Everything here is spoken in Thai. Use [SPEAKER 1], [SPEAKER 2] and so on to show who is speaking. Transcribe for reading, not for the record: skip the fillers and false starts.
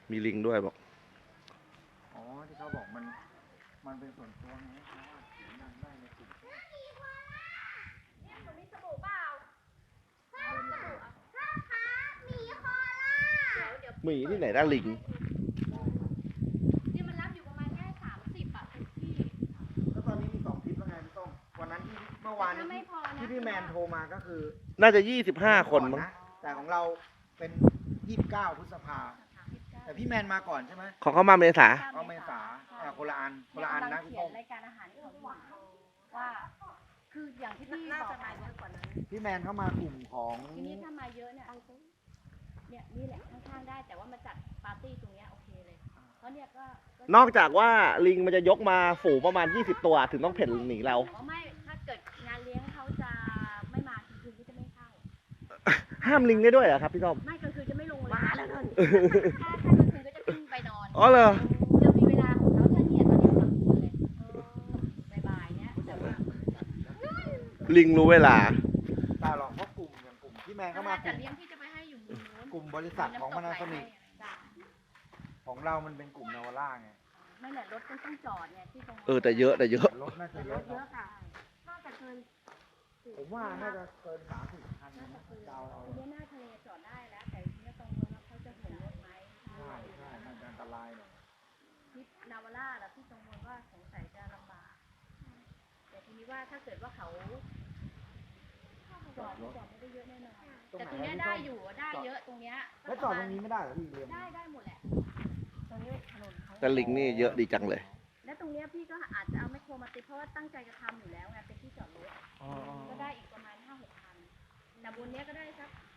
[SPEAKER 1] มีลิงด้วยบอก
[SPEAKER 2] อ๋อที่เขาบอกมันเป็นส่วนตัวไงเพราะว่าเสียงดังได้ในกลุ่ม
[SPEAKER 3] เนี่ยหนูมีสบู่เปล่าสบู่อ่ะพ่อคะหมีคอล่าเดี๋ยว
[SPEAKER 1] หมีที่ไหนได้ลิง
[SPEAKER 3] เนี่ยมันรับอยู่ประมาณแค่30อ่ะเป็นที่
[SPEAKER 2] แล้วตอนนี้มี2คลิปแล้วไงพี่ต้มวันนั้นที่เมื่อวาน
[SPEAKER 3] ถ้าไม่พอนะ
[SPEAKER 2] ที่พี่แมนโทรมาก็คือ
[SPEAKER 1] น่าจะ25 คนมั้ง
[SPEAKER 2] แต่ของเราเป็น29 พฤษภาแต่พี่แมนมาก่อนใช่ไหม
[SPEAKER 1] ของเขามาเมษา
[SPEAKER 2] เอาเมษาคนละอันนะพี่
[SPEAKER 3] เขีย
[SPEAKER 2] ต้
[SPEAKER 3] น
[SPEAKER 2] ม
[SPEAKER 3] รายการอาหารที่เขาบอกว่า คืออย่างที่พี่บอกมาเยอะกว่านั้น
[SPEAKER 2] พี่แมนเข้ามากลุ่มของ
[SPEAKER 3] ทีนี้ถ้ามาเยอะเนี่ยนี่แหละข้างๆได้แต่ว่ามาจัดปาร์ตี้ตรงเนี้ยโอเคเลยเพราะเนี่ยก็
[SPEAKER 1] นอกจากว่าลิงมันจะยกมาฝูงประมาณ20 ตัวถึงต้องเพ่นหนีเรา
[SPEAKER 3] อ๋อไม่ถ้าเกิดงานเลี้ยงเขาจะไม่มากลางคืนก็จะไม่เข้า
[SPEAKER 1] ห้ามลิงได้ด้วยเหรอครับพี่ต้อม
[SPEAKER 3] ไม่กลางคืนจะไม่ลงเลยมาแล้วนั่นถ้ากลางคืนก็จะขึ้นไปนอน
[SPEAKER 1] อ๋อเหรอ
[SPEAKER 3] จะมีเวลาของเขาถ้าเนี่ยตอนนี้กลางคืนเลยบ่ายๆเนี่ยแต่ว่า
[SPEAKER 1] ลิงรู้เวลา
[SPEAKER 2] แต่หรอกเพราะกลุ่มอย่างกลุ่มพี่แมนเข้ามาก
[SPEAKER 3] จั
[SPEAKER 2] ลุ่
[SPEAKER 3] ด
[SPEAKER 2] ม
[SPEAKER 3] เลี้ยงที่จะไปให้อยู่มุมนู้น
[SPEAKER 2] กลุ่มบริษัทของพานาโซนิก
[SPEAKER 3] จ้ะ
[SPEAKER 2] ของเรามันเป็นกลุ่มนาวาร่าไง
[SPEAKER 3] ไม่แหละรถต้องจอดเนี่ยที่ตรง
[SPEAKER 1] แต่เยอะแต่เยอะ
[SPEAKER 2] รถน่าจะ
[SPEAKER 3] แต่
[SPEAKER 2] เย
[SPEAKER 3] ร
[SPEAKER 2] อะ
[SPEAKER 3] ถเยอะค่ะน่าจะเกิน
[SPEAKER 2] ผมว่าน่าจะเกิน30 คันนะเดาเอา
[SPEAKER 3] ทีนี้หน้าทะเลจอดได้แล้ว แต่ทีนี้ตรงนู้นว่าเขาจะเห็นรถไหม
[SPEAKER 2] ใช่น่าจะอันตรายหน่อย
[SPEAKER 3] ที่นาวาร่าแล้วที่ตรงนู้นว่าสงสัยจะลำบากแต่ทีนี้ว่าถ้าเกิดว่าเขาจอดไม่ได้เยอะแน่นอนแต่ตรงเนี้ยได้อยู่ได้เยอะตรงเนี้ย
[SPEAKER 2] แล้วจอดตรงนี้ไม่ได้เหรอพี่เรียม
[SPEAKER 3] ได้หมดแหละตรงนี้ถนนเขา
[SPEAKER 1] แต่ลิงนี่เยอะดีจังเลย
[SPEAKER 3] และตรงเนี้ยพี่ก็อาจจะเอาไมคโครมาติดเพราะว่าตั้งใจจะทำอยู่แล้วไงเป็นที่จอดรถ
[SPEAKER 2] อ๋อ
[SPEAKER 3] ก็ได้อีกประมาณ5-6 พันแต่บนเนี้ยก็ได้สัก